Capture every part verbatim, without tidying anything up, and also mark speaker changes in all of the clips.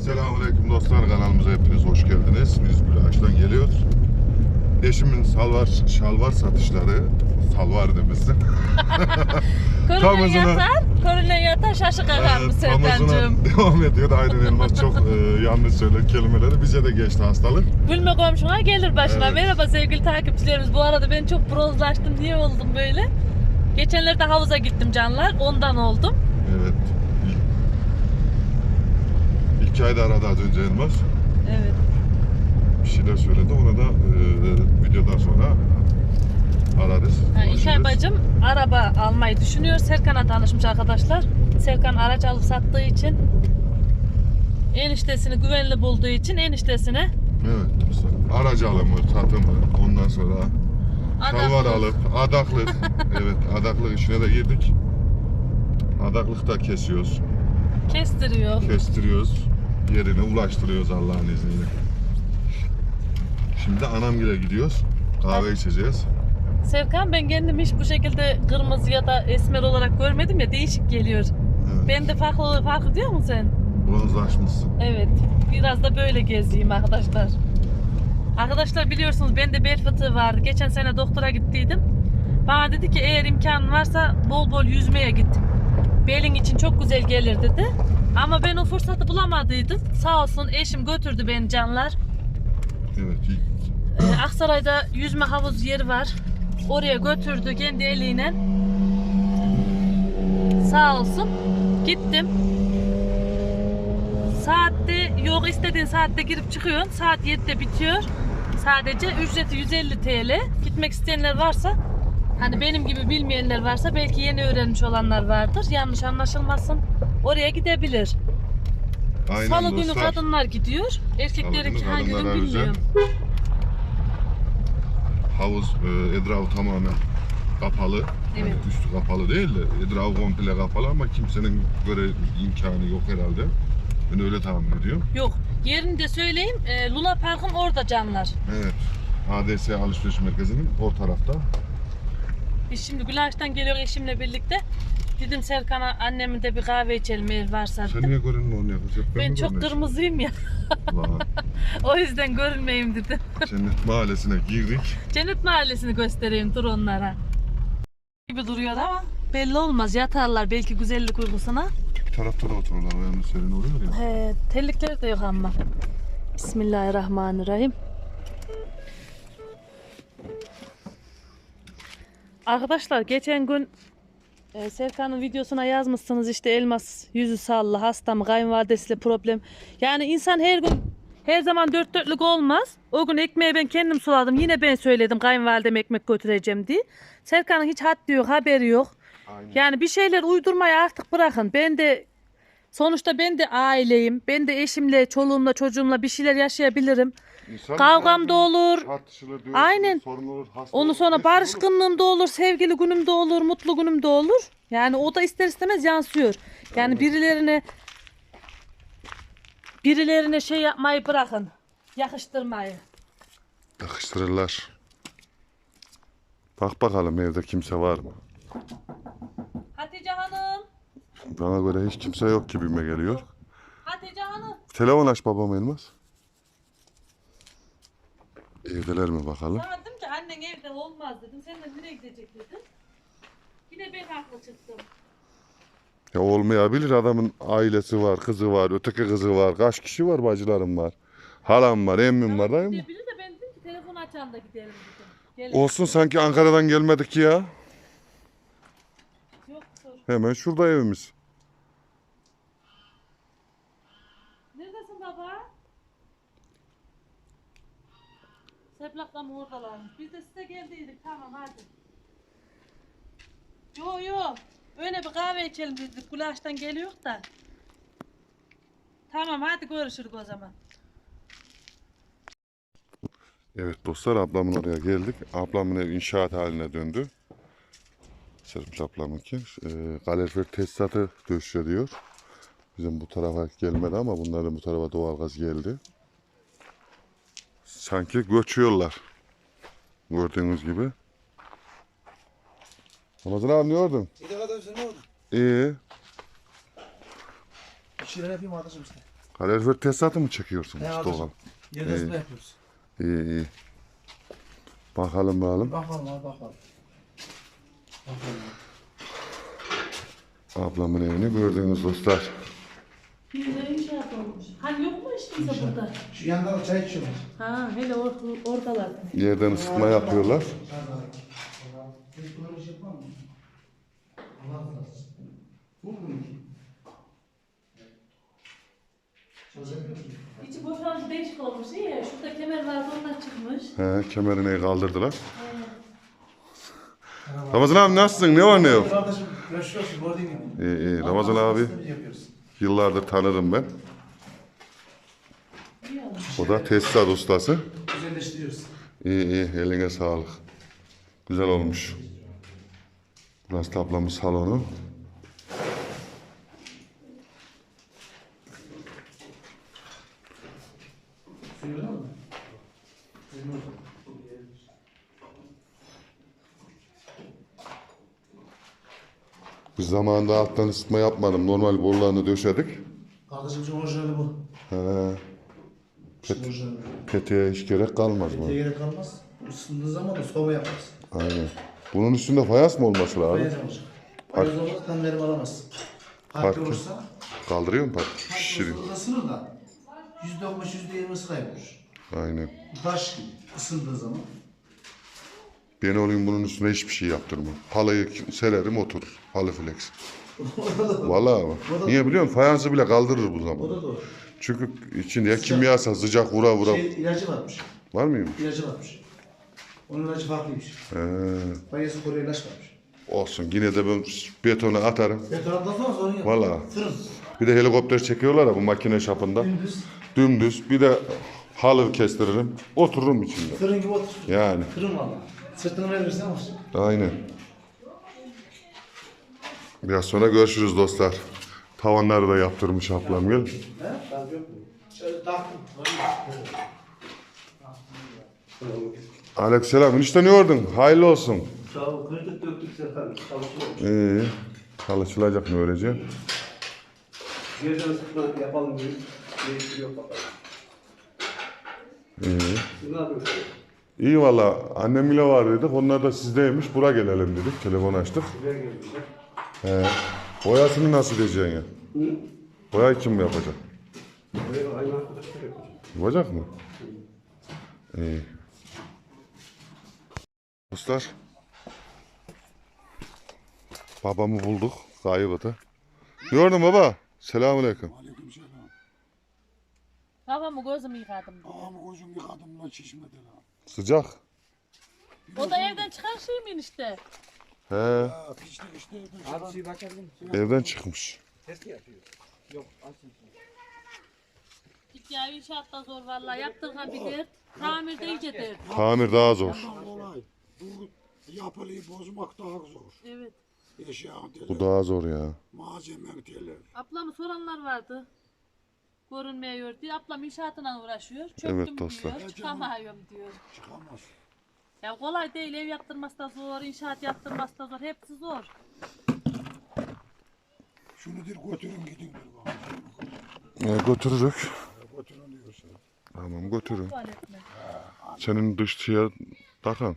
Speaker 1: Selamünaleyküm dostlar, kanalımıza hepiniz hoş geldiniz. Biz Gülaş'tan geliyoruz. Eşimin salvar, şalvar satışları, salvar demişsin.
Speaker 2: Körüne yatar, körüne yatar şaşı kakar mı Serkan'cığım?
Speaker 1: Devam ediyor. Aynen Elmas çok e, yanlış söyler kelimeleri. Bize de geçti hastalık.
Speaker 2: Gülme komşuna gelir başına.
Speaker 1: Evet.
Speaker 2: Merhaba sevgili takipçilerimiz. Bu arada ben çok bronzlaştım. Niye oldum böyle? Geçenlerde havuza gittim canlar. Ondan oldum.
Speaker 1: Evet. İlk, iki ayda aradı az önce Elmas.
Speaker 2: Evet.
Speaker 1: Bir şeyler söyledi. Ona da e, videodan sonra ararız.
Speaker 2: Yani İlkay bacım araba almayı düşünüyor. Serkan'a tanışmış arkadaşlar. Serkan araç alıp sattığı için, eniştesini güvenli bulduğu için eniştesine
Speaker 1: Evet dostlar. Aracı alımı, satımı, ondan sonra şalvar
Speaker 2: adaklık.
Speaker 1: alıp adaklık. Evet, adaklık işine de girdik. Adaklık da kesiyoruz,
Speaker 2: Kestiriyor.
Speaker 1: kestiriyoruz, yerine ulaştırıyoruz Allah'ın izniyle. Şimdi anamgile gidiyoruz, kahve içeceğiz.
Speaker 2: Serkan, ben kendimi hiç bu şekilde kırmızı ya da esmer olarak görmedim ya, değişik geliyor.
Speaker 1: Evet.
Speaker 2: Ben de farklı farklı diyor musun sen?
Speaker 1: Bronzlaşmışsın.
Speaker 2: Evet. Biraz da böyle gezeyim arkadaşlar. Arkadaşlar biliyorsunuz bende bel fıtığı vardı. Geçen sene doktora gittiydim. Bana dedi ki eğer imkanın varsa bol bol yüzmeye git. Belin için çok güzel gelir dedi. Ama ben o fırsatı bulamadıydım. Sağ olsun eşim götürdü beni canlar.
Speaker 1: Evet. iyi.
Speaker 2: Ee, Aksaray'da yüzme havuz yeri var. Oraya götürdü kendi eliyle. Sağ olsun. Gittim. Saatte yok, istediğin saatte girip çıkıyorsun. Saat yedide bitiyor. Sadece ücreti yüz elli TL. Gitmek isteyenler varsa, hani benim gibi bilmeyenler varsa, belki yeni öğrenmiş olanlar vardır. Yanlış anlaşılmasın. Oraya gidebilir.
Speaker 1: Aynen
Speaker 2: Salı günü
Speaker 1: dostlar.
Speaker 2: kadınlar gidiyor. Erkeklerinki
Speaker 1: Salı günü
Speaker 2: hangi gün
Speaker 1: kadınlara özel.
Speaker 2: bilmiyorum.
Speaker 1: Havuz e, etrafı tamamen kapalı.
Speaker 2: Evet.
Speaker 1: Yani üstü kapalı değil de etrafı komple kapalı ama kimsenin göre imkanı yok herhalde. Ben öyle tahmin ediyorum.
Speaker 2: Yok. Yerini de söyleyeyim. E, Luna Park'ın orada canlar.
Speaker 1: Evet. A D S alışveriş merkezinin o tarafta.
Speaker 2: Biz şimdi Gülaş'tan geliyor eşimle birlikte. Dedim Serkan'a, annemin de bir kahve içelim eğer varsa.
Speaker 1: Sen niye görünme onu yakacak?
Speaker 2: Ben çok kırmızıyım ya. O yüzden görünmeyeyim dedim.
Speaker 1: Cennet Mahallesi'ne girdik.
Speaker 2: Cennet Mahallesi'ni göstereyim, dur onlara. Gibi duruyor ama belli olmaz, yatarlar belki güzellik uykusuna.
Speaker 1: Bir tarafta da otururlar. O yanında serin oluyor ya.
Speaker 2: He, tellikleri de yok ama. Bismillahirrahmanirrahim. Arkadaşlar geçen gün e, Serkan'ın videosuna yazmışsınız işte, Elmas yüzü sallı, hasta mı, kayınvalidesiyle problem. Yani insan her gün her zaman dört dörtlük olmaz. O gün ekmeği ben kendim suladım. Yine ben söyledim kayınvalideme ekmek götüreceğim diye. Serkan'ın hiç haddi yok, haberi yok.
Speaker 1: Aynen.
Speaker 2: Yani bir şeyler uydurmayı artık bırakın. Ben de sonuçta ben de aileyim. Ben de eşimle, çoluğumla, çocuğumla bir şeyler yaşayabilirim.
Speaker 1: İnsan
Speaker 2: Kavgam da olur.
Speaker 1: tartışılır, dövüşülür,
Speaker 2: Aynen.
Speaker 1: sorun olur, hasta
Speaker 2: Onu
Speaker 1: olur,
Speaker 2: sonra
Speaker 1: hepsi olur.
Speaker 2: barışkınlığım da olur, sevgili günüm de olur, mutlu günüm de olur. Yani o da ister istemez yansıyor. Yani
Speaker 1: Evet.
Speaker 2: birilerine birilerine şey yapmayı bırakın. Yakıştırmayı.
Speaker 1: Yakıştırırlar. Bak bakalım evde kimse var mı?
Speaker 2: Hatice Hanım.
Speaker 1: Bana göre hiç kimse yok gibime geliyor.
Speaker 2: Hatice Hanım.
Speaker 1: Telefon aç babam Elmas. Evdeler mi bakalım?
Speaker 2: Sana dedim ki annen evde olmaz dedim. Sen de nereye gidecek dedim. Yine ben haklı çıktım.
Speaker 1: Ya olmayabilir, adamın ailesi var, kızı var, öteki kızı var, kaç kişi var, bacılarım var. Halam var, emmim var, değil mi?
Speaker 2: Gidebilir de ben dedim ki telefon açan da gidelim dedim. Gelin.
Speaker 1: Olsun, sanki Ankara'dan gelmedik ya.
Speaker 2: Yoktur.
Speaker 1: Hemen şurada evimiz.
Speaker 2: Neredesin baba? Seplakla mı oradalarmış? Biz de size geldiydik. Tamam hadi. Yo yo. Öyle bir kahve içelim dedik. Gülaş'tan geliyor da. Tamam hadi görüşürüz o zaman.
Speaker 1: Evet dostlar, ablamın oraya geldik. Ablamın ev inşaat haline döndü. Serpil ablamınki. E, kalorifer tesisatı döşüyor. Bizim bu tarafa gelmedi ama bunların bu tarafa doğalgaz geldi. Sanki göçüyorlar. Gördüğünüz gibi. Ramazan abi ne gördün?
Speaker 3: İyi kadar sen ne oldu?
Speaker 1: İyi.
Speaker 3: Bir şeyler yapayım arkadaşım işte.
Speaker 1: Kalorifer tesisatı mı çekiyorsun
Speaker 3: He,
Speaker 1: Mustafa?
Speaker 3: alacağım. Yedesinde yapıyoruz.
Speaker 1: İyi iyi. Bakalım bakalım.
Speaker 3: Bakalım abi bakalım. Bakalım.
Speaker 1: Ablamın evini gördüğünüz dostlar.
Speaker 2: Bir de inşaat olmuş. Hani yok mu işte bize burada?
Speaker 3: Şu yanda da çay içiyorlar.
Speaker 2: Ha hele or oradalar.
Speaker 1: Yerden ısıtma yapıyorlar.
Speaker 3: Biz böyle bir şey yapar mı? Allah razı olsun. Bu mu? Çalışabiliyor musun?
Speaker 2: İçi boşaltı değişik olmuş. İyi ya şurada kemer vardı ondan çıkmış.
Speaker 1: He, kemerini kaldırdılar. Ramazan abi nasılsın? Ne var ne yok?
Speaker 3: Kardeşim görüşüyorsun gördüğün gibi.
Speaker 1: İyi iyi. Ramazan abi
Speaker 3: Yapıyoruz.
Speaker 1: yıllardır tanıdım ben.
Speaker 2: İyi olmuş.
Speaker 1: O da tesisat ustası.
Speaker 3: Güzelleştiriyoruz.
Speaker 1: İyi iyi. Eline sağlık. Güzel olmuş. Burası da ablamın salonu.
Speaker 3: Suyu var mı? Suyu var.
Speaker 1: Biz zamanında alttan ısıtma yapmadım. Normal borularını döşedik.
Speaker 3: Kardeşimizin orijinali bu.
Speaker 1: He,
Speaker 3: İşte orijinali.
Speaker 1: peteğe hiç gerek kalmaz mı?
Speaker 3: Diye gerek kalmaz. Isındığı zaman da soğuma yaparız.
Speaker 1: Aynen. Bunun üstünde fayans mı olması lazım?
Speaker 3: Bayaz olacak. Bayaz olmaz kan verim alamaz.
Speaker 1: Farklı.
Speaker 3: Farklı olursa
Speaker 1: Kaldırıyor mu park?
Speaker 3: farklı
Speaker 1: Şişiriyor.
Speaker 3: olursa ısınır da yüzde on beş yüzde yirmisi kaybolur.
Speaker 1: Aynen.
Speaker 3: Bu taş gibi ısındığı zaman.
Speaker 1: Ben olayım bunun üstüne hiçbir şey yaptırmam. Halıyı sererim oturur. Halı flex. Vallahi ama. Niye biliyor musun? Fayansı bile kaldırır bu
Speaker 3: O
Speaker 1: zaman.
Speaker 3: da doğru.
Speaker 1: Çünkü içinde ya kimyasal sıcak vura vura.
Speaker 3: Şey, ilacı varmış.
Speaker 1: Var mıyım?
Speaker 3: İlacı varmış. Onun ilacı farklıymış.
Speaker 1: He,
Speaker 3: Bayası koruyor ilaç varmış.
Speaker 1: olsun. Yine de ben betona atarım.
Speaker 3: Betondan sonra sorun yok.
Speaker 1: Vallahi.
Speaker 3: Fırın.
Speaker 1: Bir de helikopter çekiyorlar ya bu makine şapında.
Speaker 3: Dümdüz.
Speaker 1: Dümdüz. Bir de halı kestiririm. Otururum içinde.
Speaker 3: Fırın gibi otur.
Speaker 1: Yani.
Speaker 3: Fırın valla. Sırtını verirsen var.
Speaker 1: Aynen. Biraz sonra görüşürüz dostlar. Tavanları da yaptırmış ablam gel.
Speaker 3: He? Ben yok mu? Şöyle taktım.
Speaker 1: Aleykümselam. İşte ne gördün? Hayırlı olsun.
Speaker 3: Sağ ol. Kırdık döktük Serkan. Çalışıyormuş.
Speaker 1: İyi. Çalışılacak mı öylece?
Speaker 3: Yerden sıkma yapalım diye. Değiştiriyor bakalım.
Speaker 1: İyi.
Speaker 3: Siz ne yapıyorsunuz?
Speaker 1: İyi valla. Annem bile var dedik. Onlar da sizdeymiş. Bura gelelim dedik. Telefon açtık.
Speaker 3: Buraya geldiler.
Speaker 1: He. Boyasını nasıl diyeceksin ya?
Speaker 3: Hı?
Speaker 1: Boyayı kim yapacak?
Speaker 3: Buraya aynı arkadaşlar yapıyor.
Speaker 1: Yapacak mı? İyi. Dostlar. Babamı bulduk. Kaybıdı. Ne gördün baba? Selamünaleyküm.
Speaker 4: Aleykümselam.
Speaker 2: Kafamı gözümü yıkadım.
Speaker 4: Ağamı gözüm yıkadım lan çeşmede lan.
Speaker 1: Sıcak.
Speaker 2: O da evden çıkan şey mi işte?
Speaker 1: He.
Speaker 4: Ha, pişti işte.
Speaker 3: Abi suyu bakardın.
Speaker 1: Evden çıkmış.
Speaker 3: Test mi yapıyor? Yok. Açın.
Speaker 2: İlk ya inşaatta zor vallahi. Yaptırgan bir dert. Tamirde iyice dert.
Speaker 1: Tamir daha zor.
Speaker 4: Ondan kolay. Bu yapılıyı bozmak daha zor.
Speaker 2: Evet.
Speaker 4: Eşya
Speaker 1: Bu
Speaker 4: teler,
Speaker 1: daha zor ya.
Speaker 4: malzeme teler.
Speaker 2: Ablamı soranlar vardı. Görünmüyor diye. Ablam inşaatına uğraşıyor. Çöktüm
Speaker 1: Evet dostlar.
Speaker 2: diyor. Çıkamıyorum diyor.
Speaker 4: Çıkamaz.
Speaker 2: Ya kolay değil. Ev yaptırması da zor. İnşaat yaptırması da zor. Hepsi zor.
Speaker 4: Şunu dir götürün gidin dir bana.
Speaker 1: E, götürürük.
Speaker 4: Ha, götürün diyorsun.
Speaker 1: Tamam götürün.
Speaker 2: Tuvalet mi?
Speaker 1: Senin dışçıya takan.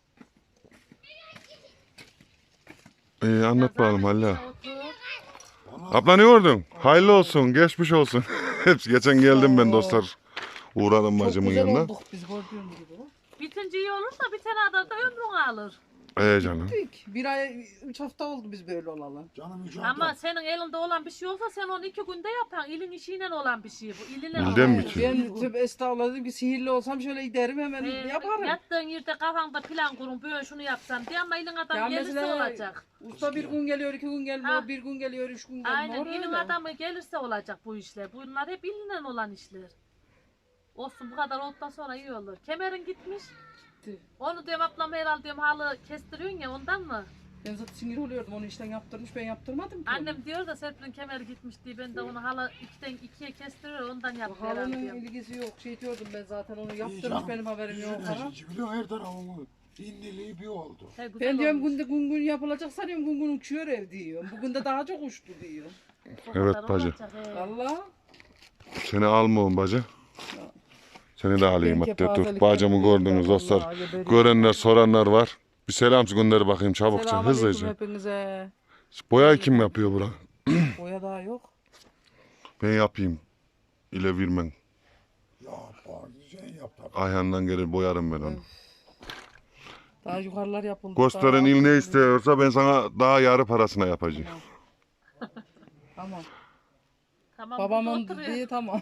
Speaker 1: İyi anlat bakalım Halil.
Speaker 2: Otur.
Speaker 1: Abla ne gördün? Hayırlı olsun, geçmiş olsun. Hepsi geçen geldim ben dostlar. Uğradım bacımın yanına.
Speaker 5: olduk biz gördüğün gibi.
Speaker 2: Bitince iyi olur da bir tane adam da ömrün alır.
Speaker 1: Ee canım.
Speaker 5: Büyük. Bir ay, üç hafta oldu biz böyle olalı.
Speaker 4: Canım hiç
Speaker 2: Ama senin elinde olan bir şey olsa sen onu iki günde yapan. İlin işiyle olan bir şey bu. İlinle
Speaker 1: İlden
Speaker 2: olan
Speaker 1: mi
Speaker 2: bir
Speaker 1: ki?
Speaker 2: şey.
Speaker 5: Ben tüp estağfurullah dedim ki sihirli olsam şöyle giderim hemen
Speaker 2: Ee,
Speaker 5: yaparım.
Speaker 2: Yattığın yerde kafanda plan kurun böyle şunu yapsam diye ama ilin adam
Speaker 5: Ya
Speaker 2: gelirse
Speaker 5: mesela
Speaker 2: olacak.
Speaker 5: Usta bir gün geliyor, iki gün gelmiyor,
Speaker 2: Ha.
Speaker 5: bir gün geliyor, üç gün gelmiyor.
Speaker 2: Aynen ilin
Speaker 5: öyle.
Speaker 2: adamı gelirse olacak bu işler. Bunlar hep ilinle olan işler. Olsun bu kadar olduktan sonra iyi olur. Kemerin gitmiş.
Speaker 5: Gitti.
Speaker 2: Onu diyorum ablam herhalde diyorum halı kestiriyorsun ya ondan mı?
Speaker 5: Ben zaten sinir oluyordum onu işten yaptırmış ben yaptırmadım ki.
Speaker 2: Annem diyor da Serpil'in kemeri gitmiş diye ben de onu halı ikiden ikiye kestiriyor ondan
Speaker 5: onu.
Speaker 2: yaptı herhalde
Speaker 5: Halının
Speaker 2: diyorum.
Speaker 5: ilgisi yok şey diyordum ben zaten onu
Speaker 4: İyi
Speaker 5: yaptırmış
Speaker 4: canım.
Speaker 5: benim haberim yok. Ha.
Speaker 4: Biliyor her tarafımı. İnniliği bir oldu.
Speaker 2: He, güzel
Speaker 5: Ben diyorum
Speaker 2: olmuş.
Speaker 5: günde gün gün yapılacak sanıyorum gün gün uçuyor ev diyor. Bugün de daha çok uçtu diyor.
Speaker 2: O
Speaker 1: Evet
Speaker 2: kadar
Speaker 1: bacı.
Speaker 2: olacak, he.
Speaker 5: Valla.
Speaker 1: Seni almıyorum bacı. Seni de alayım
Speaker 5: Benimki
Speaker 1: hatta dur.
Speaker 5: pazelik
Speaker 1: Bacımı
Speaker 5: yapıyor,
Speaker 1: gördünüz
Speaker 5: vallahi
Speaker 1: dostlar.
Speaker 5: geberiyor.
Speaker 1: Görenler soranlar var. Bir selam gönder bakayım çabukça
Speaker 5: Selamünaleyküm
Speaker 1: hızlıca.
Speaker 5: hepinize.
Speaker 1: Boyayı kim yapıyor bura?
Speaker 5: Boya daha yok.
Speaker 1: Ben yapayım. İle vermen.
Speaker 4: Ya bak sen yap tabii.
Speaker 1: Ayhan'dan gelir boyarım ben onu.
Speaker 5: Daha yukarılar yapıldı.
Speaker 1: Gösteren
Speaker 5: daha
Speaker 1: il ne
Speaker 5: altı-
Speaker 1: istiyorsa ben sana daha yarı parasına yapacağım.
Speaker 5: Tamam.
Speaker 2: Tamam,
Speaker 5: Babamın
Speaker 2: burada oturuyor.
Speaker 5: dediği tamam.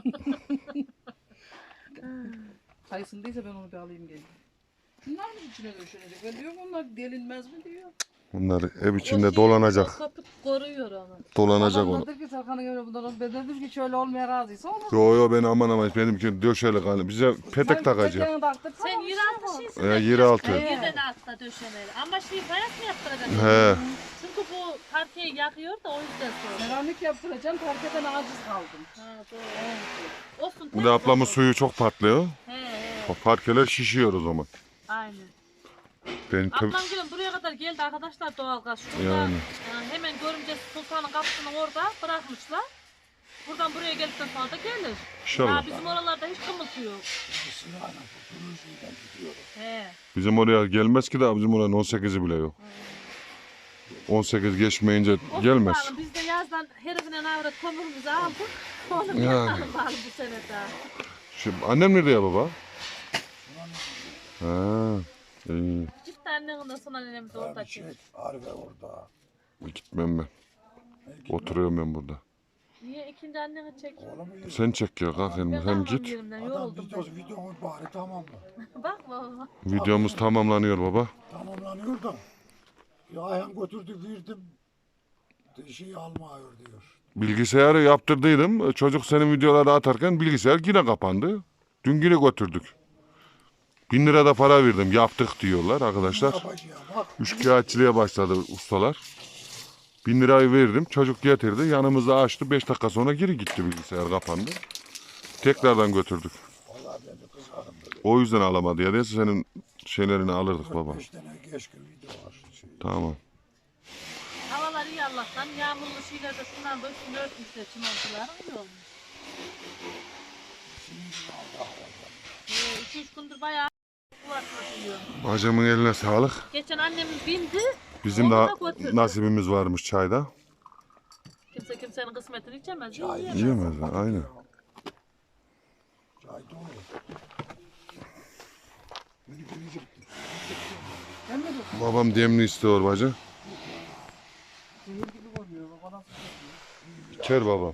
Speaker 5: Kayısındıysa ben onu bir alayım geleyim. Bunlar mı içine döşenecek? Ben diyorum onlar delinmez mi diyor.
Speaker 1: Bunlar ev
Speaker 2: O
Speaker 1: içinde
Speaker 2: şey,
Speaker 1: dolanacak.
Speaker 2: o kapı koruyor onu.
Speaker 1: Dolanacak
Speaker 5: Babam
Speaker 1: onu.
Speaker 5: dedi ki Serkan'a göre bunlar ben dedim ki şöyle olmaya razıysa olur.
Speaker 1: Yo yo ben aman aman benimki döşeli kalın. Bize petek takacak.
Speaker 5: Sen
Speaker 2: Sen yeraltı şeysin.
Speaker 1: Ee, yeraltı.
Speaker 2: Yerden altta döşemeli. Ama şey fayans mı yaptıracaksın?
Speaker 1: He.
Speaker 2: Çünkü bu parkeyi yakıyor da o yüzden sonra.
Speaker 5: Seramik yaptıracağım, parkeden aciz kaldım.
Speaker 2: Ha, doğru. Olsun.
Speaker 1: Bir de ablamın suyu çok patlıyor.
Speaker 2: He he.
Speaker 1: Parkeler şişiyor o zaman.
Speaker 2: Aynen.
Speaker 1: Ben tabii...
Speaker 2: Ablam gülüm buraya kadar geldi arkadaşlar doğalgaz. Şurada
Speaker 1: Yani.
Speaker 2: e, hemen görümce Sultan'ın kapısını orada bırakmışlar. Buradan buraya geldikten sonra da gelir.
Speaker 1: İnşallah.
Speaker 2: Ya bizim oralarda hiç kımıltı yok.
Speaker 4: Silahla tutunucuyla gidiyorum.
Speaker 2: He.
Speaker 1: Bizim oraya gelmez ki de bizim oranın on sekizi bile yok. on sekiz geçmeyince
Speaker 2: Olsun
Speaker 1: gelmez.
Speaker 2: bakalım, biz de yazdan herifine avrat kömürümüzü aldık. Onu bir
Speaker 1: Yani.
Speaker 2: yakalım bari bu sene daha.
Speaker 1: Şimdi annem nerede ya baba? Ha, iyi.
Speaker 2: Gitti annenin sonra nenem de orada
Speaker 4: Bir
Speaker 2: ki.
Speaker 4: şey Arife orada.
Speaker 1: Gitmem ben. Oturuyorum ben burada.
Speaker 2: Niye ikinci anneni çek?
Speaker 4: Oğlum iyi.
Speaker 1: Sen çek ya kalk hem,
Speaker 2: Ben
Speaker 1: hem
Speaker 2: kalmam
Speaker 1: git.
Speaker 2: yerimden
Speaker 4: Adam
Speaker 2: yoruldum
Speaker 4: videosu videomuz bari tamam mı?
Speaker 2: ben. Bak baba.
Speaker 1: Videomuz tamamlanıyor baba.
Speaker 4: Tamamlanıyor da. Ya ayağım götürdü verdim. Şeyi almıyor diyor.
Speaker 1: Bilgisayarı yaptırdıydım. Çocuk senin videoları atarken bilgisayar yine kapandı. Dün yine götürdük. Bin lira da para verdim. Yaptık diyorlar arkadaşlar.
Speaker 4: Yapacağım bak.
Speaker 1: Üçkağıtçılığa başladı ustalar. Bin lirayı verdim. Çocuk getirdi. Yanımızda açtı. Beş dakika sonra geri gitti bilgisayar kapandı. Tekrardan götürdük.
Speaker 4: Vallahi ben de kızarım böyle.
Speaker 1: O yüzden alamadı ya. Neyse senin şeylerini alırdık baba.
Speaker 4: Beş tane geç gün video var. Şey.
Speaker 1: Tamam.
Speaker 2: Havalar iyi Allah'tan. Yağmurlu şeyler de şundan da üstünü örtmüşler. Çimentolar iyi olmuş. Ee, iki üç gündür bayağı var diyor.
Speaker 1: Bacımın eline sağlık.
Speaker 2: Geçen annemiz bindi.
Speaker 1: Bizim
Speaker 2: onu
Speaker 1: de
Speaker 2: da götürdü.
Speaker 1: nasibimiz varmış çayda.
Speaker 2: Kimse kimsenin kısmetini içemez.
Speaker 4: Çay
Speaker 2: yiyemez.
Speaker 1: Yiyemez mi? Aynen.
Speaker 4: Çay dolu. Beni gelecekti.
Speaker 1: Babam demli istiyor bacı. İçer babam.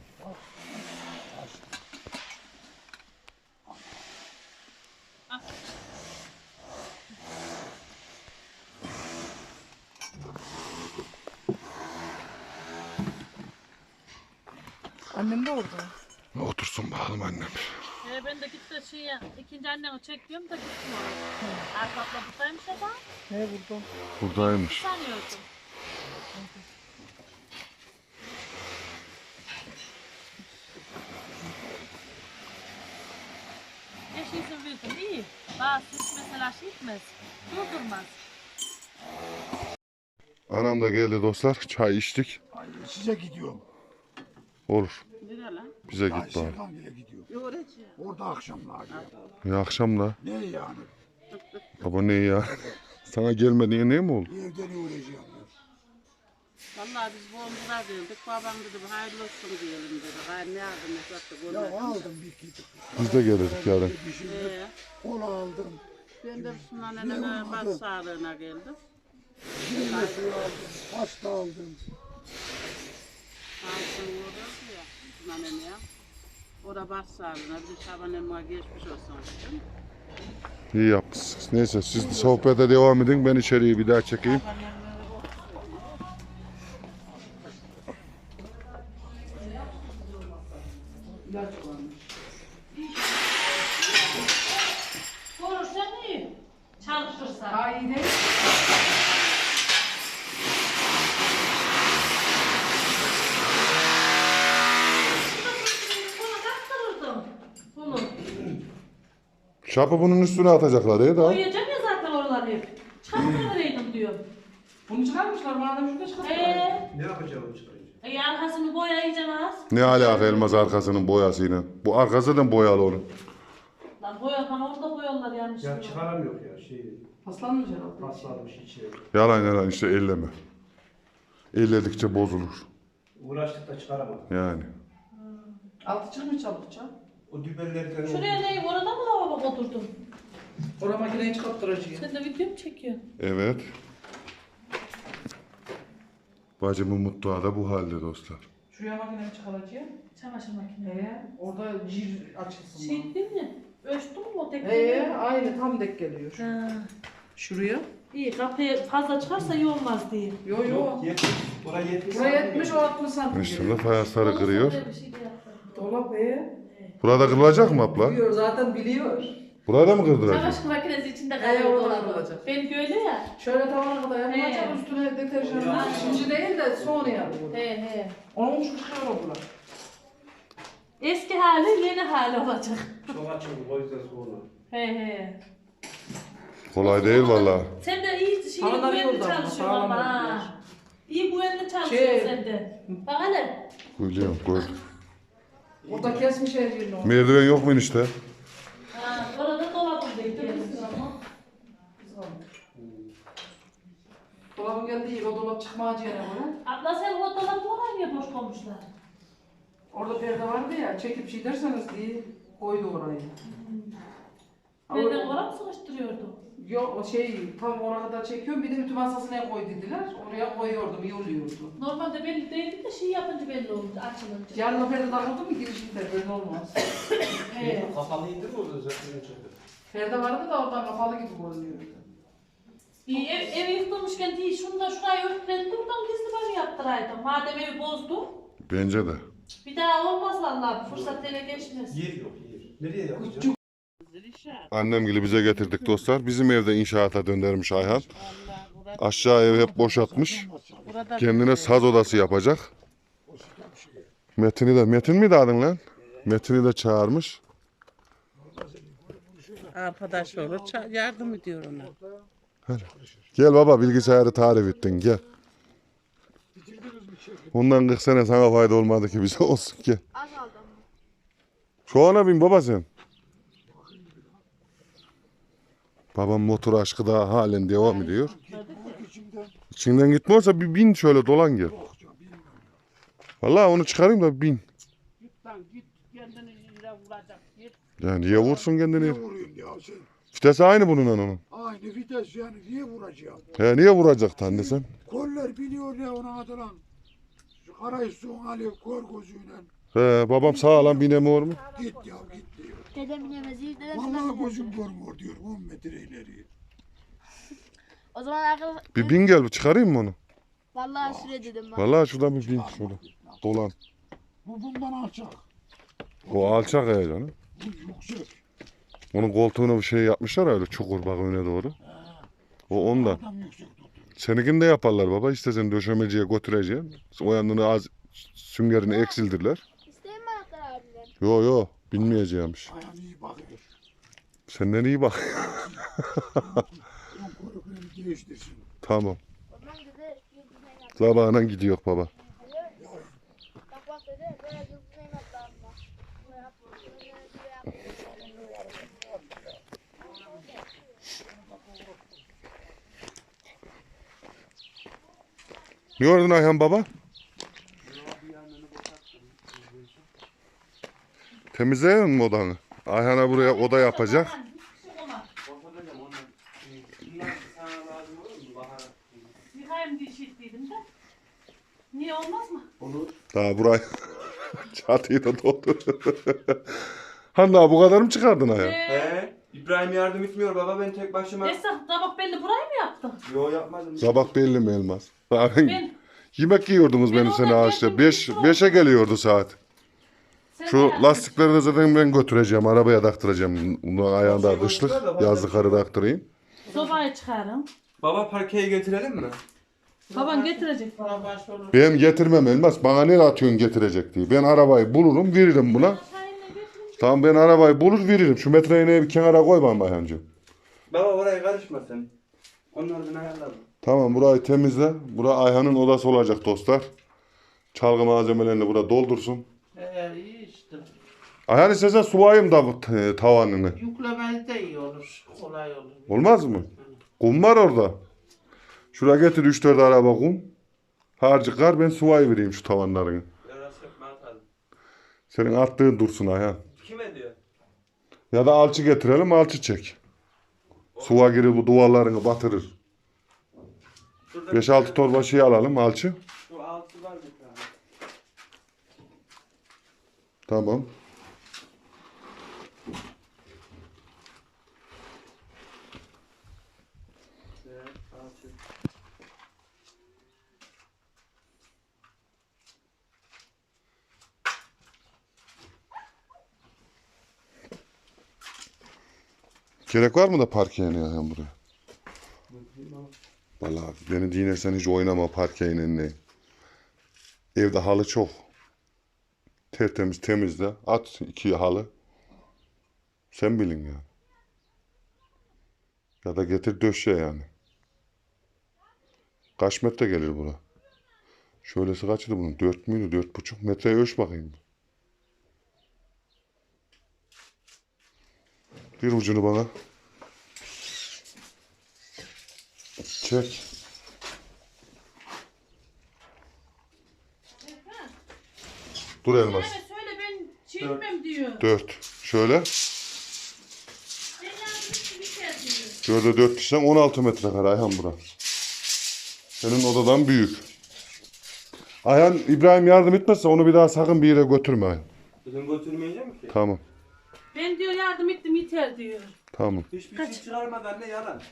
Speaker 5: Annem de orada.
Speaker 1: Otursun bakalım annem.
Speaker 2: Ee, ben de gitti şey ya, ikinci annemi çekiyorum da gittim oraya. Arkatla buradaymış ama
Speaker 5: Ne burada?
Speaker 1: Buradaymış.
Speaker 2: sanıyordum. Eş izin verdim iyi. Bazı hiç mesela şey etmez. Durdurmaz.
Speaker 1: Anam da geldi dostlar. Çay içtik.
Speaker 4: Ay, size gidiyorum.
Speaker 1: Olur.
Speaker 2: Nere lan?
Speaker 1: Bize
Speaker 4: Ay
Speaker 1: git bari.
Speaker 4: Serkan bile gidiyor.
Speaker 2: Yoğuracı.
Speaker 4: Orada akşamlar.
Speaker 1: Ya akşam da.
Speaker 4: Ne yani?
Speaker 1: Baba ne ya? Sana gelmediğine ne mi oldu?
Speaker 4: Evden uğrayacağım diyor.
Speaker 6: Vallahi biz boğumuza verdik. Babam dedi hayırlı olsun diyelim dedi. Gayrı ne yardım et
Speaker 4: Ya
Speaker 6: attı.
Speaker 4: aldım bir kedi.
Speaker 1: Biz de gelirdik yarın.
Speaker 4: Bir şey
Speaker 6: Ee,
Speaker 4: kola aldım.
Speaker 6: ben de Müslüman neneme baş sağlığına geldim.
Speaker 4: Kirli suyu aldım. Pasta aldım.
Speaker 6: Altın uğradı ya Müslüman neneye. O da baş sağlığına. Bir de Şaban emmeye geçmiş olsun. dedim.
Speaker 1: İyi yapmışsınız. Neyse siz de sohbete devam edin. Ben içeriği bir daha çekeyim.
Speaker 6: Şaban emmeye
Speaker 2: Korursan iyi. Çalışırsan.
Speaker 5: Daha iyi değil.
Speaker 2: Bunu kaptırırdım. Bunu.
Speaker 1: Şapı bunun üstüne atacaklar ya da.
Speaker 2: Koyacağım ya zaten oraları hep. Çıkartıvereydim diyor.
Speaker 5: Bunu çıkarmışlar madem şurada çıkartmışlar.
Speaker 2: Ee,
Speaker 3: Ne yapacağım çıkarınca?
Speaker 2: E arkasını boyayacaksın az.
Speaker 1: Ne alaka Elmas arkasının boyasıyla? Bu arkası da boyalı onun.
Speaker 2: Lan boyakan orada boyarlar yanlış.
Speaker 3: Ya çıkaramıyor ya şey.
Speaker 5: Paslanmış herhalde.
Speaker 3: Paslanmış içeri.
Speaker 1: Yalan yalan işte elleme. Elledikçe bozulur.
Speaker 3: Uğraştık da çıkaramadım.
Speaker 1: Yani.
Speaker 5: Altı çıkmış çabukça.
Speaker 3: O dübellerden
Speaker 2: Şuraya ne? Orada mı lavabo oturdun?
Speaker 5: Oraya makineyi çıkarttıracağım.
Speaker 2: Sen de video mu çekiyorsun?
Speaker 1: Evet. Bacımın mutfağı da bu halde dostlar.
Speaker 5: Şuraya makineyi çıkaracağım.
Speaker 2: Çamaşır makinesi.
Speaker 5: Ee, orada cir açılsın.
Speaker 2: Şey değil mi? Ölçtün mü o tek?
Speaker 5: Ee, aynı tam dek geliyor.
Speaker 2: Ha.
Speaker 5: Şuraya.
Speaker 2: İyi kapıya fazla çıkarsa iyi olmaz diye.
Speaker 5: Yo yo.
Speaker 3: yetmiş. Buraya yetmiş.
Speaker 5: Buraya yetmiş o altmış santim.
Speaker 1: Üstünde fayansları kırıyor.
Speaker 2: Böyle bir şey de yaptım.
Speaker 5: Dolap ee.
Speaker 1: Burada kırılacak mı abla?
Speaker 5: Biliyor zaten biliyor.
Speaker 1: Burada mı kırdıracak?
Speaker 2: Çamaşır makinesi içinde
Speaker 5: Ee,
Speaker 2: kalıyor
Speaker 5: orada
Speaker 2: dolabı.
Speaker 5: kalacak.
Speaker 2: Benimki öyle ya.
Speaker 5: Şöyle tavana kadar yapılacak
Speaker 2: He.
Speaker 5: üstüne deterjan. Şimdi değil de sonra yapılıyor.
Speaker 2: He he.
Speaker 5: Onun için çıkıyor o bular.
Speaker 2: Eski hali yeni hali olacak.
Speaker 3: Çok açıldı o yüzden sonra.
Speaker 2: He he.
Speaker 1: Kolay değil valla.
Speaker 2: Sen de iyi şey
Speaker 5: Sağlam
Speaker 2: güvenli
Speaker 5: yolda ama,
Speaker 2: çalışıyorsun
Speaker 5: sağlam
Speaker 2: ama ha.
Speaker 5: yolda.
Speaker 2: İyi güvenli çalışıyorsun
Speaker 5: Şey-
Speaker 2: sen de. Bak hele.
Speaker 1: Biliyorum gördüm.
Speaker 5: Orada kesmiş her yerini o.
Speaker 1: Merdiven yok mu işte?
Speaker 2: Ha, orada dolabında gidiyorsun ama.
Speaker 5: Dolabın geldiği o dolap çıkmayacağına göre.
Speaker 2: Abla sen o dolabı oraya niye boş koymuşlar?
Speaker 5: Orada perde vardı ya çekip şey derseniz diye koydu orayı.
Speaker 2: Nereden oraya mı sıkıştırıyordu?
Speaker 5: Yok o şey tam oraya kadar çekiyorum bir de ütü masasına koy dediler. Oraya koyuyordum iyi oluyordu.
Speaker 2: Normalde belli değildi de şey yapınca belli oldu açılınca.
Speaker 5: Yarın o perde takıldı mı girişinde böyle olmaz.
Speaker 2: He.
Speaker 3: Kapalı indir mi orada zaten çıktı?
Speaker 5: Perde vardı da oradan kapalı gibi görünüyordu.
Speaker 2: İyi ev, ev yıkılmışken değil şunu da şurayı örtüledim buradan gizli banyo yaptıraydım. Madem evi bozdu.
Speaker 1: Bence de.
Speaker 2: Bir daha olmaz vallahi fırsat ele geçmez.
Speaker 3: Yer yok yer. Nereye yapacağız?
Speaker 1: Annem gibi bize getirdik dostlar. Bizim evde inşaata döndürmüş Ayhan. Aşağı ev hep boşaltmış. Kendine saz odası yapacak. Metin'i de, Metin miydi adın lan? Metin'i de çağırmış.
Speaker 6: Arkadaş olur, ça- yardım ediyor ona.
Speaker 1: Gel baba bilgisayarı tarif ettin gel. Ondan kırk sene sana fayda olmadı ki bize olsun gel. Şu ana bin baba sen. Babam motor aşkı da halen devam ediyor. İçinden gitmiyorsa bir bin şöyle dolan gel. Vallahi onu çıkarayım da bin.
Speaker 6: Git lan git, kendini yine vuracak git.
Speaker 1: Yani niye vursun kendini?
Speaker 4: Ne vuruyorsun ya sen?
Speaker 1: Vitesi aynı bununla onun.
Speaker 4: Aynı vites yani niye vuracağım?
Speaker 1: He niye vuracak anne sen?
Speaker 4: Koller biliyor ya ona atılan. Şu karayı son alıyor kor gözüyle.
Speaker 1: He babam sağlam binemiyor mu?
Speaker 4: Git ya git diyor.
Speaker 7: Dedem bilemez, iyi dedem
Speaker 4: Vallahi
Speaker 7: bilemez.
Speaker 4: gözüm görmüyor diyor on metre ileri.
Speaker 7: O zaman arkadaşlar,
Speaker 1: Bir bin gel çıkarayım mı onu?
Speaker 7: vallahi süre dedim ben.
Speaker 1: Vallahi şuradan bir bin şöyle. Dolan.
Speaker 4: Bu bundan alçak.
Speaker 1: O alçak ya canım.
Speaker 4: Bu yüksek.
Speaker 1: Onun koltuğuna bir şey yapmışlar ya öyle çukur bak öne doğru. O ondan.
Speaker 4: Adam yüksek tutuyor.
Speaker 1: Seninkini de yaparlar baba. İstesen döşemeciye götüreceğim. O yanını az süngerini eksildirler.
Speaker 7: İsteyim mi anahtar abimden?
Speaker 1: Yo yo bilmeyeceğimmiş.
Speaker 4: Ayağını iyi bakıyor.
Speaker 1: Senden iyi bak.
Speaker 4: Onun koruklarını değiştirsin.
Speaker 1: Tamam.
Speaker 7: O zaman dedi, bir düzen yap.
Speaker 1: Sabahına gidiyor baba.
Speaker 7: Bak bak dedi, böyle bir düzen yap abime. Böyle yap, böyle yap.
Speaker 1: Ne gördün Ayhan baba? Temizleyelim mi odanı? Ayhan'a buraya oda yapacak.
Speaker 2: Yıkayım diye şey dedim de. Niye olmaz mı?
Speaker 1: Daha burayı çatıyı da doldur. Hanna bu kadar mı çıkardın Ayhan?
Speaker 2: Ee,
Speaker 8: He? İbrahim yardım etmiyor baba ben tek başıma.
Speaker 2: Esra tabak belli burayı mı yaptın?
Speaker 8: Yo yapmadım.
Speaker 1: Sabah belli mi Elmas? Daha ben-
Speaker 2: Ben,
Speaker 1: Yemek yiyordunuz
Speaker 2: Ben
Speaker 1: benim sene
Speaker 2: oradan
Speaker 1: ağaçta.
Speaker 2: geldim,
Speaker 1: Beş,
Speaker 2: bir
Speaker 1: beşe geliyordu saat.
Speaker 2: sen
Speaker 1: Şu
Speaker 2: de-
Speaker 1: lastikleri de zaten ben götüreceğim. Arabaya taktıracağım. Bunun ayağında
Speaker 8: Şey
Speaker 1: kışlık.
Speaker 8: olursa da
Speaker 1: Yazlıkları taktırayım.
Speaker 2: Sobayı çıkarın.
Speaker 8: Baba parkeye getirelim mi?
Speaker 2: Baban getirecek.
Speaker 6: Bana başvurur.
Speaker 1: Ben getirmem Elmas. Bana ne atıyorsun getirecek diye. Ben arabayı bulurum veririm buna.
Speaker 2: Şahin'le getirin.
Speaker 1: Tamam ben arabayı bulur veririm. Şu metre iğneyi bir kenara koy bana Ayhancığım.
Speaker 8: Baba oraya karışma sen. Onlardan ayarlarım.
Speaker 1: Tamam burayı temizle. Bura Ayhan'ın odası olacak dostlar. Çalgı malzemelerini burada doldursun.
Speaker 6: Ee, iyi işte.
Speaker 1: Ayhan istesen sulayayım da bu t- tavanını.
Speaker 6: Yüklemeli de iyi olur. Kolay olur.
Speaker 1: Olmaz mı? Kum var orada. Şuraya getir üç dört araba kum. Harcı kar ben sulayı vereyim şu tavanlarını.
Speaker 8: Yarası yapma atalım.
Speaker 1: Senin attığın dursun Ayhan.
Speaker 8: Kime diyor?
Speaker 1: Ya da alçı getirelim alçı çek. Suya girir bu duvarlarını batırır.
Speaker 8: Şurada
Speaker 1: beş altı torba şey alalım alçı.
Speaker 8: Şu altı var bir tane.
Speaker 1: Tamam.
Speaker 8: Evet, altı.
Speaker 1: Gerek var mı da parkeye Ayhan buraya? Vallahi beni dinlersen hiç oynama parkeyle ne. Evde halı çok. Tertemiz temizle. At iki halı. Sen bilin ya. Ya da getir döşe yani. Kaç metre gelir bura? Şöylesi kaçtı bunun? Dört müydü? Dört buçuk metreye ölç bakayım. Bir ucunu bana. Çek. Dur Elmas.
Speaker 2: Evet söyle ben çekmem diyor.
Speaker 1: Dört. Şöyle.
Speaker 2: Ben yardım bir diyor.
Speaker 1: Şöyle dört kişiden on altı metrekare Ayhan bura. Senin odadan büyük. Ayhan İbrahim yardım etmezse onu bir daha sakın bir yere götürme Ayhan.
Speaker 8: Dedim götürmeyeceğim ki.
Speaker 1: Tamam.
Speaker 2: Ben diyor yardım ettim yeter diyor.
Speaker 1: Tamam.
Speaker 8: Hiçbir şey çıkarmadan ne yalan.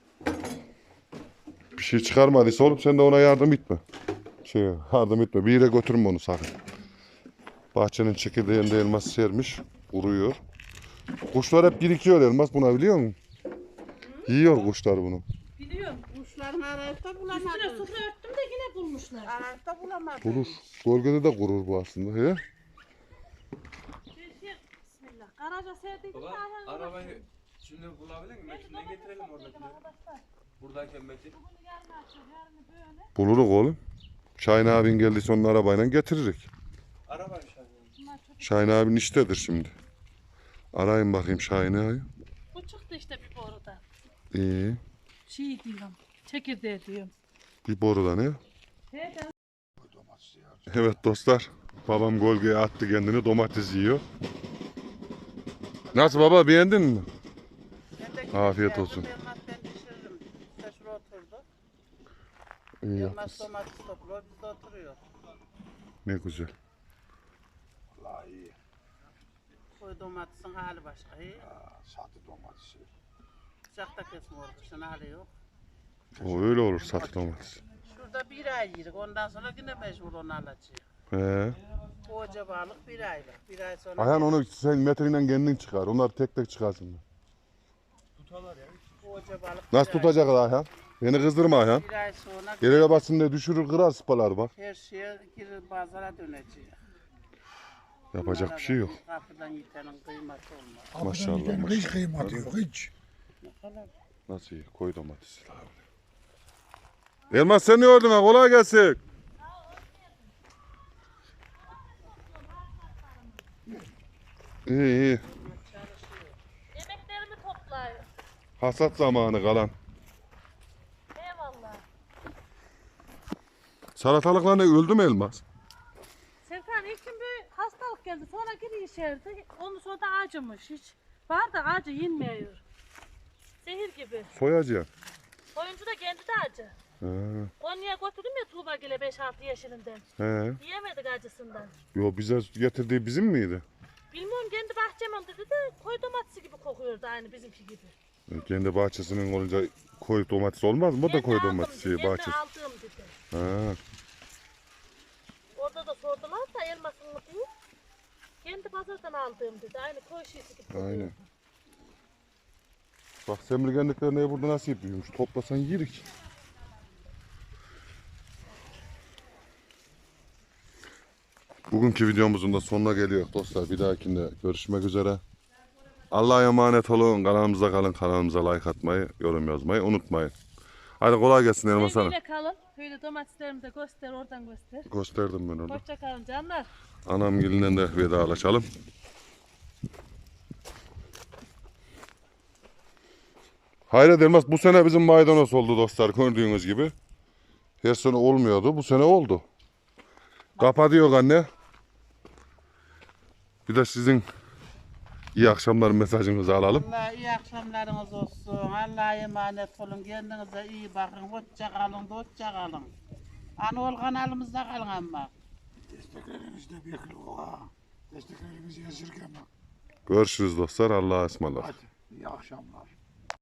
Speaker 1: Bir şey çıkarmadıysa oğlum sen de ona yardım etme. Şey yardım etme. Bir yere götürme onu sakın. Bahçenin çekirdeğinde elmas sermiş. Kuruyor. Kuşlar hep birikiyor elmas buna biliyor musun? Yiyor kuşlar bunu.
Speaker 2: Biliyorum.
Speaker 6: Kuşların arayıp da
Speaker 2: Üstüne
Speaker 6: bulamadım.
Speaker 2: sufra örttüm de yine bulmuşlar.
Speaker 6: Arayıp da bulamadım.
Speaker 1: Kurur. Gölgede de kurur bu aslında. He?
Speaker 2: Bir şey, bismillah. Garaja serdiydim de
Speaker 8: Baba
Speaker 2: ayağını
Speaker 8: arabayı şimdi bulabilir miyim? Metin'den getirelim oradakini. Buradayken Metin.
Speaker 2: Bunu yarın açıyor, yarın böyle.
Speaker 1: Buluruk oğlum. Şahin abin geldiyse onun arabayla getiririk.
Speaker 8: Araba inşallah.
Speaker 1: Şahin abin iştedir şimdi. Arayın bakayım Şahin abi.
Speaker 2: Bu çıktı işte bir boruda.
Speaker 1: İyi.
Speaker 2: Şey diyorum, çekirdeği diyorum.
Speaker 1: Bir boruda ne?
Speaker 2: He, ben
Speaker 1: Evet dostlar. Babam gölgeye attı kendini domates yiyor. Nasıl baba beğendin mi? Afiyet olsun.
Speaker 6: Elmas ben pişiririm. İşte şuraya oturdu.
Speaker 1: İyi
Speaker 6: Elmas
Speaker 1: yapmışsın.
Speaker 6: domates topluyor, biz de oturuyor.
Speaker 1: Ne güzel.
Speaker 4: Vallahi iyi.
Speaker 6: Koy domatesin hali başka. İyi.
Speaker 4: Ha, satı domatesi.
Speaker 6: Sıcakta kesme orada, şunun hali yok.
Speaker 1: O öyle olur satı domates.
Speaker 6: Şurada bir ay yedik, ondan sonra yine mecbur onu alacağız.
Speaker 1: He.
Speaker 6: Koca balık bir aylık. Bir ay sonra
Speaker 1: Ayhan onu sen metreyle kendin çıkar. Onlar tek tek çıkarsın.
Speaker 6: koca balık
Speaker 1: Nasıl
Speaker 6: bir ay-
Speaker 1: tutacak Ayhan? Beni kızdırma Ayhan.
Speaker 6: Bir ay sonra
Speaker 1: Yere basın diye düşürür kırar sıpalar bak.
Speaker 6: her şeye girir pazara döneceğiz.
Speaker 1: Yapacak bir şey yok.
Speaker 6: Kapıdan yitenin kıymeti olmaz.
Speaker 1: Maşallah,
Speaker 4: Maşallah. Hiç
Speaker 1: maşallah.
Speaker 4: kıymatı yok hiç.
Speaker 1: Nasıl iyi? Koy domatesi. Elmas sen ne ordun ha? Kolay gelsin. İyi iyi.
Speaker 2: yemeklerimi toplayın.
Speaker 1: Hasat zamanı kalan.
Speaker 2: Eyvallah.
Speaker 1: Salatalıklar ne öldü mü Elmas?
Speaker 2: Serkan ilk gün bir hastalık geldi. Sonra geri işerdi. Ondan sonra da acımış. Hiç var da acı yenmiyor. Zehir gibi.
Speaker 1: Soyacı.
Speaker 2: Oyuncu da kendi de acı.
Speaker 1: He.
Speaker 2: Konya'ya götürdüm ya Tuğba Gül'e beş altı yaşından.
Speaker 1: He.
Speaker 2: Yiyemedik acısından.
Speaker 1: Yo bize getirdiği bizim miydi?
Speaker 2: Bilmiyorum kendi bahçemin dedi de koy domatesi gibi kokuyordu aynı bizimki gibi.
Speaker 1: E, Kendi bahçesinin olunca koy domates olmaz mı? O da
Speaker 2: Kendi
Speaker 1: koy
Speaker 2: aldım
Speaker 1: domatesi
Speaker 2: dedi, kendi
Speaker 1: bahçesi.
Speaker 2: aldığım dedi.
Speaker 1: Ha.
Speaker 2: Orada da sordular da elmasın mı diye. Kendi pazardan aldığım dedi. Aynı koy şişesi gibi kokuyordu.
Speaker 1: Aynen. Bak semrigenlikler burada nasıl yapıyormuş? Toplasan yirik. Bugünkü videomuzun da sonuna geliyor dostlar. Bir dahakinde görüşmek üzere. Allah'a emanet olun. Kanalımıza kalın. Kanalımıza like atmayı, yorum yazmayı unutmayın. Hadi kolay gelsin Elmas Hanım.
Speaker 2: Sevgiyle kalın. Böyle domateslerimi de göster, oradan göster.
Speaker 1: Gösterdim ben orada.
Speaker 2: Hoşça kalın canlar.
Speaker 1: Anam gelinden de vedalaşalım. Hayret Elmas, bu sene bizim maydanoz oldu dostlar, gördüğünüz gibi. Her sene olmuyordu, bu sene oldu. Kapatıyor anne. Bir de sizin iyi akşamlar mesajınızı alalım.
Speaker 6: Allah iyi akşamlarınız olsun. Allah'a emanet olun. Kendinize iyi bakın. Hoşça kalın, hoşça kalın. Anadolu kanalımızda kalın ama.
Speaker 4: Desteklerinizi de bekliyor ha. Desteklerinizi esirgeme.
Speaker 1: Görüşürüz dostlar, Allah'a ısmarladık.
Speaker 4: Hadi iyi akşamlar.